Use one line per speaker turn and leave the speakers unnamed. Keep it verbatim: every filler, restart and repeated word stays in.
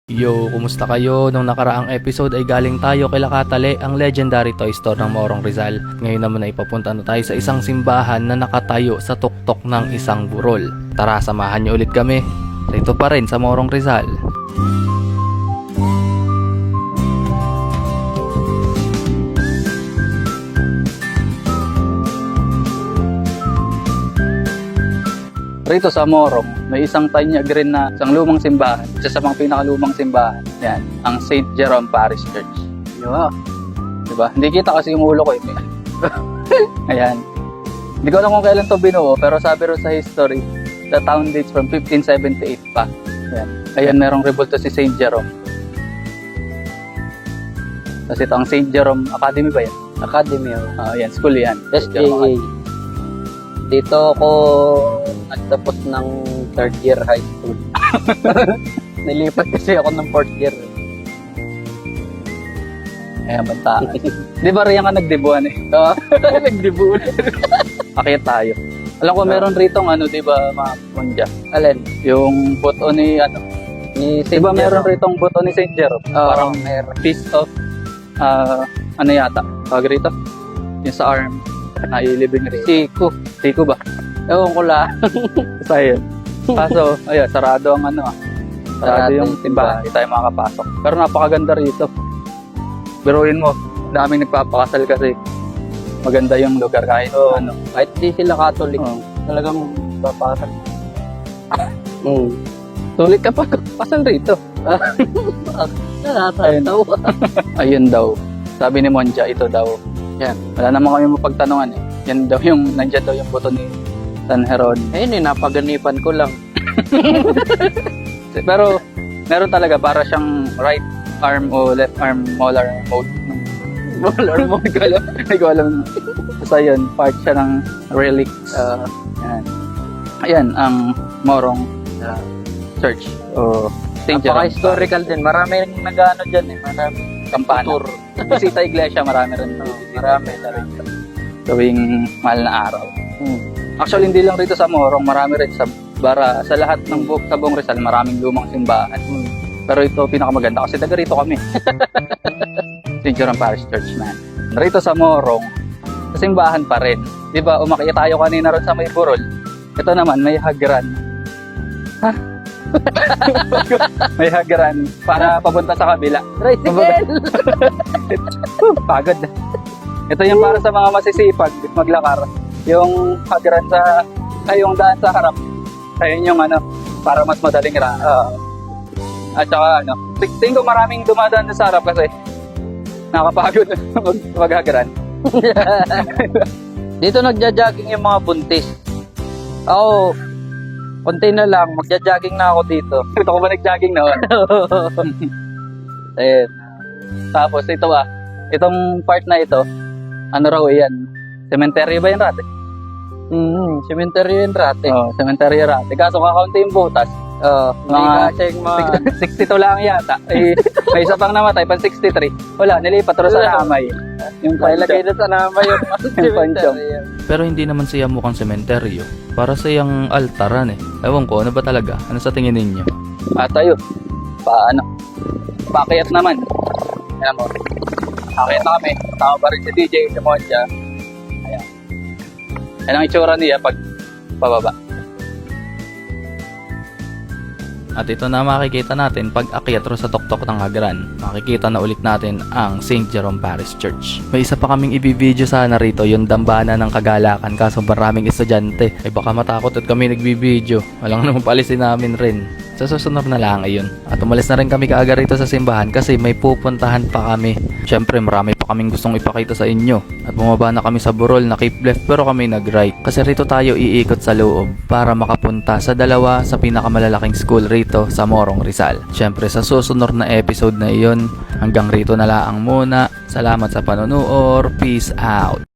Yo, kumusta kayo? Nung nakaraang episode ay galing tayo kay Lakatale, ang legendary toy store ng Morong Rizal. Ngayon naman ay papunta na tayo sa isang simbahan na nakatayo sa tuktok ng isang burol. Tara, samahan niyo ulit kami. Dito pa rin sa Morong Rizal. Rito sa Morong, may isang tanyag rin na isang lumang simbahan. Isa sa mga pinakalumang simbahan. Yan, ang Saint Jerome Parish Church. Yo. Diba? Hindi kita kasi yung ulo ko eh. Ayan. Hindi ko alam kung kailan to binuo, pero sabi rin sa history, the town dates from fifteen seventy-eight pa. Ayan. Ayan, merong rebulto si Saint Jerome. Tapos ito ang Saint Jerome Academy ba yan?
Academy, oh.
Ah, yan, school yan.
S J A. Dito ako nagtapos ng third year high school. Nilipat kasi ako ng fourth year.
Ayan, banta. Di ba riyan ka nagdebuan eh? Oo. Nagdebuan. Akit tayo. Alam ko meron rito ng ano, di ba, mga punja?
Alin?
Yung buto ni, ano,
Ni
di ba meron rito ang buto ni Saint Jerome?
Oo,
Parang
meron.
piece of, ah, ano yata? Tawag rito? Yung sa arm. Nailibing rin.
Siko.
Siko ba?
Ewan ko lang.
Basta yun. Kaso, ayun, sarado ang ano ah. Sarado
Sarado
yung
yung
simbahan. Hindi tayo makakapasok. Pero napakaganda rito. Biruin mo, daming nagpapakasal kasi maganda yung lugar kahit
Oo.
ano.
Kahit di sila Catholic,
Oo.
talagang papasal. Hmm.
Sulit ka pa pasal rito.
Nakakatawa.
Ayun daw. Sabi ni Monja, ito daw. Yan. Wala naman kami mapagtanungan eh. Yan daw yung, nandyan daw yung buto ni San Heron.
Ayun eh, napaganipan ko lang.
Pero, meron talaga para siyang right arm o left arm molar mode. Molar mode, hindi ko alam. Hindi ko alam. Basta yun, part siya ng relics. Uh, yan. Ayan, ang Morong uh, Church. O Saint Jerome.
Napaka-historical din. Marami rin nag-ano dyan eh. Marami.
Kampana.
Tour.
Bisita Iglesia, marami rin.
Oo, marami na rin.
Gawing mahal na araw.
Hmm.
Actually, hindi lang rito sa Morong, marami rin sa Bara. Sa lahat ng bu- sa buong Rizal, maraming lumang simbahan.
Hmm.
Pero ito, pinakamaganda kasi taga rito kami. Saint Jerome Parish Church, man. Rito sa Morong, sa simbahan pa rin. Di ba, umakyat tayo kanina ron sa may burol. Ito naman, may hagran. Ha? May hagran para papunta sa kabila.
Tricycle!
Pagod. Ito yung para sa mga masisipag maglakar. Yung hagran sa, ay yung daan sa harap. Ayun yung ano, para mas madaling ra. Uh, at saka ano, tingin ko maraming dumadaan sa harap kasi nakapagod mag maghagran.
Dito nagja-jogging yung mga buntis. Ako, konti na lang, magja-jogging na ako dito.
Ito ko ba nag-jogging noon? Ayun. Tapos ito ah, itong part na ito, ano raw yan? Cemetery ba yan rate?
Mm, cemetery yun rate.
Oo, oh, cemetery rate. Kaso kakaunti yung butas.
Uh,
Mga
mga kasi yung mga...
sixty-two lang yata. Eh, may isa pang namatay, pan sixty-three. Wala, nilipat rin sa namay. Yung
Pailagay na sa nama yung
panchong.
cemetery.
Pero hindi naman siya mukhang sementeryo. Para siyang altaran eh. Ewan ko, ano ba talaga? Ano sa tingin ninyo?
At tayo, paano? Pakyat naman. Ayan mo. Pakyat na kami. Tama pa rin si D J, si Monja. Ayan. Ayan ang itsura niya pag pababa.
At ito na makikita natin pag akyat ro sa tuktok ng hagran. Makikita na ulit natin ang Saint Jerome Parish Church. May isa pa kaming ibibideo sana rito, yung dambana ng kagalakan, kaso maraming estudyante. Ay baka matakot at kami nagbibideo. Walang naman palisin namin rin. Sa susunod na lang ayun. At umalis na rin kami kaagad rito sa simbahan kasi may pupuntahan pa kami. Syempre marami pa kaming gustong ipakita sa inyo. At bumaba na kami sa burol na keep left pero kami nag-right. Kasi rito tayo iikot sa loob para makapunta sa dalawa sa pinakamalalaking school rito sa Morong Rizal. Syempre sa susunod na episode na iyon, hanggang rito na lang muna. Salamat sa panonood. Peace out.